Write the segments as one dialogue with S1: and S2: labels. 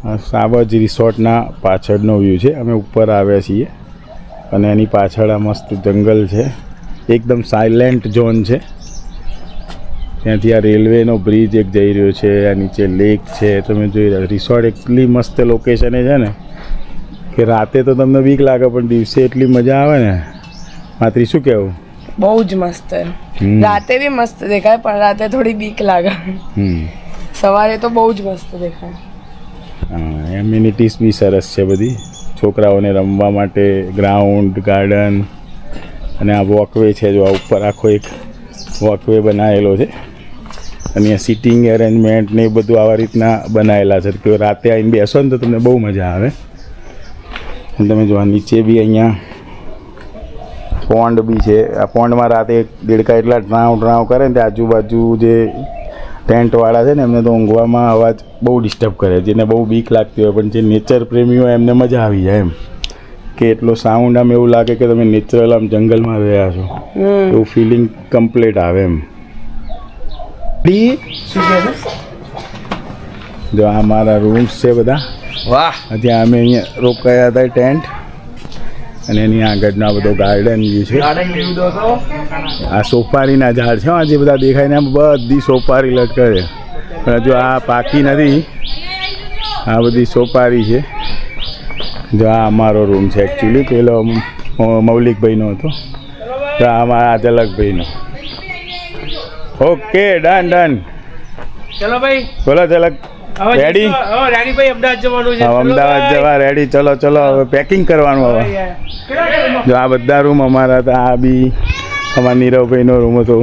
S1: સાવજ રિસોર્ટના પાછળનો વ્યૂ છે. અમે ઉપર આવ્યા છીએ અને એની પાછળ આ મસ્ત જંગલ છે. એકદમ સાયલેન્ટ ઝોન છે. ત્યાંથી આ રેલવેનો બ્રિજ એક જઈ રહ્યો છે. આ નીચે લેક છે. તમે જોઈ રહ્યા રિસોર્ટ એટલી મસ્ત લોકેશને છે ને કે રાતે તો તમને બીક લાગે પણ દિવસે એટલી મજા આવે ને. માત્રી શું કહેવું?
S2: બહુ જ મસ્ત. રાતે બી મસ્ત દેખાય પણ રાતે થોડી બીક લાગે. સવારે તો બહુ જ મસ્ત દેખાય.
S1: હા, એમ્યુનિટીઝ બી સરસ છે બધી. છોકરાઓને રમવા માટે ગ્રાઉન્ડ, ગાર્ડન અને આ વોકવે છે. જો આ ઉપર આખો એક વોકવે બનાવેલો છે અને આ સિટિંગ એરેન્જમેન્ટ ને એ બધું આવા રીતના બનાવેલા છે કે રાતે આવીને બેસો ને તો તમને બહુ મજા આવે. અને તમે જો નીચે બી અહીંયા પોન્ડ બી છે. આ પોન્ડમાં રાતે દેડકા એટલા ડ્રાવ કરે ને તે આજુબાજુ જે ટેન્ટવાળા છે ને એમને તો ઊંઘવામાં અવાજ બહુ ડિસ્ટર્બ કરે. જેને બહુ બીક લાગતી હોય પણ જે નેચર પ્રેમી હોય એમને મજા આવી જાય એમ કે એટલો સાઉન્ડ આમ એવું લાગે કે તમે નેચરલ આમ જંગલમાં રહ્યા છો એવું ફિલિંગ કમ્પ્લીટ આવે એમ. જો આ મારા રૂમ્સ છે બધા.
S3: વાહ.
S1: ત્યાં અમે અહીંયા રોકાયા હતા ટેન્ટ અને એની આગળનો બધો ગાર્ડન વ્યૂ છે. આ સોપારીના ઝાડ છે. આ જે બધા દેખાય ને બધી સોપારી લટકે છે પણ જો આ પાકી નથી. આ બધી સોપારી છે. જો આ અમારો રૂમ છે એકચ્યુઅલી. પેલો મૌલિકભાઈનો હતો તો આ અમારા ઝલકભાઈનો. Okay done.
S3: ચલો ભાઈ.
S1: બોલો ઝલક રેડી?
S3: રેડી ભાઈ. અમદાવાદ જવાનું છે.
S1: અમદાવાદ જવા રેડી. ચલો હવે પેકિંગ કરવાનું. હવે જો આ બધા રૂમ અમારા હતા. આ બી અમારા નીરવભાઈનો રૂમ હતો.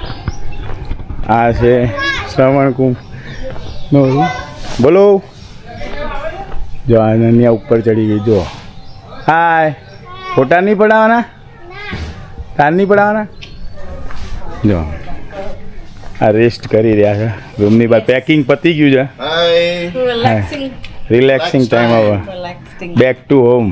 S1: આ છે શ્રવણકુંભનો રૂમ. બોલો. જો અનન્યા ઉપર ચડી ગઈ. જો હાય. ફોટા નહીં પડાવવાના? તાર નહીં પડાવવાના? જો આ રેસ્ટ કરી રહ્યા છે. રૂમની બહાર પેકિંગ પતી ગયું છે. રિલેક્સિંગ ટાઈમ હવે. Back to home.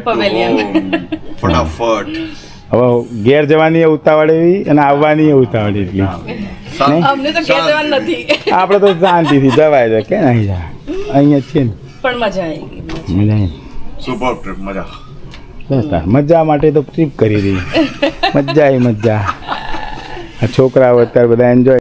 S4: ફટાફટ.
S1: હવે ઘેર જવાની ઉતાવળ એવી અને આવવાની ઉતાવળ એટલી.
S2: અમને તો ઘેર જવાનું નથી.
S1: આપણે તો શાંતિથી જવાય છે કે નહીં જાય. અહીંયા છે ને
S2: પણ મજા આવી ગઈ.
S1: મજા આવી.
S4: Super trip. મજા.
S1: મજા માટે તો ટ્રીપ કરી રહી. મજા આવી મજા. આ છોકરાઓ અત્યારે બધા એન્જોય